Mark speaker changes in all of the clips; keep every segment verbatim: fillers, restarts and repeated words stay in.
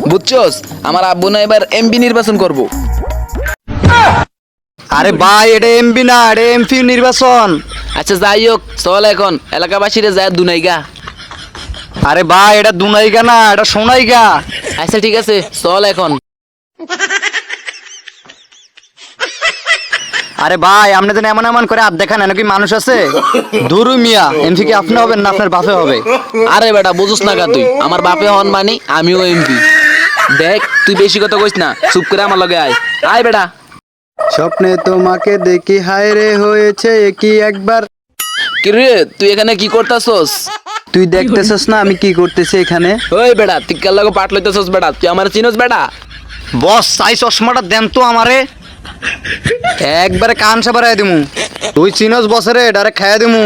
Speaker 1: বুঝছস, আমার আব্বু না এবার এমপি নির্বাচন করব।
Speaker 2: আরে ভাই এটা এমপি না, এটা এমপি নির্বাচন।
Speaker 1: আচ্ছা যাই হোক, চল এখন এলাকাবাসীরে যায় দুনাইগা।
Speaker 2: আরে ভাই এটা দুনাইগা না, এটা সোনাইগা।
Speaker 1: আচ্ছা ঠিক আছে, চল এখন।
Speaker 2: আরে ভাই আপনি তো এমন এমন করে হাত দেখান, নাকি মানুষ আছে? দুরু মিয়া, এমপি কি আপনি হবেন না আপনার বাপে হবে?
Speaker 1: আরে বেটা বুঝুস না কা তুই, আমার বাপে হন মানে আমিও এমপি। দেখ তুই বেশি কথা কইস না, চুপ করে আমার লগে আয়। আয় বেটা।
Speaker 2: স্বপ্নে তোমাকে দেখি হায় রে হয়েছে কি একবার।
Speaker 1: কি রে তুই এখানে কি করতাছস?
Speaker 2: তুই দেখতেছস না আমি কি করতেছি এখানে?
Speaker 1: ওই বেটা তুই কার লগে পাট লইতেছস বেটা? তুই আমার চিনস বেটা?
Speaker 2: বস চাই চশমাটা দেন তো আমারে, একবারে কান সাবারাই দিমু। তুই চিনস বসরে ডাইরেক্ট খাইয়া দিমু।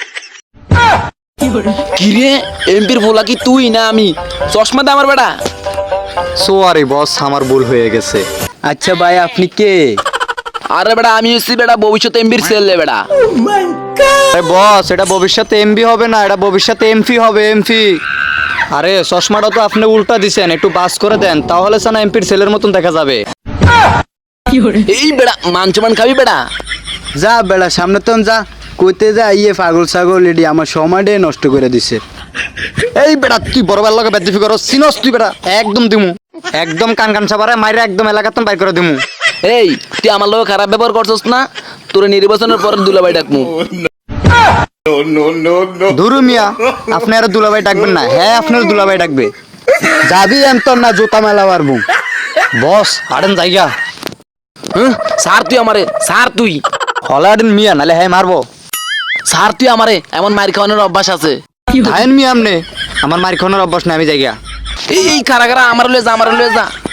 Speaker 1: কি রে এমপির ভোলা কি তুই না আমি? চশমা দে আমার বেটা।
Speaker 2: সরি বস, আমার ভুল হয়ে গেছে। আচ্ছা ভাই আপনি কে?
Speaker 1: আরে বেটা আমি হচ্ছি বেটা ভবিষ্যৎ এমপির ছেলে বেটা।
Speaker 2: আরে বস এটা ভবিষ্যতে এমপি হবে না, এটা ভবিষ্যতে এমপি হবে, এমপি। আরে চশমাটা তো আপনি উল্টা দিছেন, একটু বাস করে দেন তাহলে সানা এমপির ছেলের মতন দেখা যাবে।
Speaker 1: এই বেটা মানচমান খাবি বেটা?
Speaker 2: যা বেড়া সামনে তো যা, কইতে যা ইয়ে পাগল ছাগল এডি আমার সময়টাই নষ্ট করে দিছে। এই বেটা তুই বড় বেলার লগে বেদবি করস, চিনস তুই বেটা? একদম দিমু, একদম কান কান সাবারে মাইরে একদম এলাকাতন বাইর করে দিমু।
Speaker 1: এই তুই আমার লগে খারাপ ব্যবহার করছস না, তোর নির্বাচনের পরে দুলাভাই ডাকমু।
Speaker 2: ধুরু মিয়া, আপনি আর দুলাভাই ডাকবেন না, হ্যাঁ আপনার দুলাভাই ডাকবে। যাবি এমতন না জুতা মেলা পারবো। বস আড়েন জায়গা
Speaker 1: হ্যাঁ স্যার তুই আমারে, স্যার তুই
Speaker 2: হলাডেন মিয়া, নালে হ্যাঁ মারবো।
Speaker 1: স্যার তুই আমারে, এমন মার খাওয়ানোর অভ্যাস আছে?
Speaker 2: ধায়েন মিয়া আমনে, আমার মার খানোর অভ্যাস নাই, আমি জায়গা।
Speaker 1: এই এই কারা কারা আমার লয়ে যা, আমার লয়ে যা।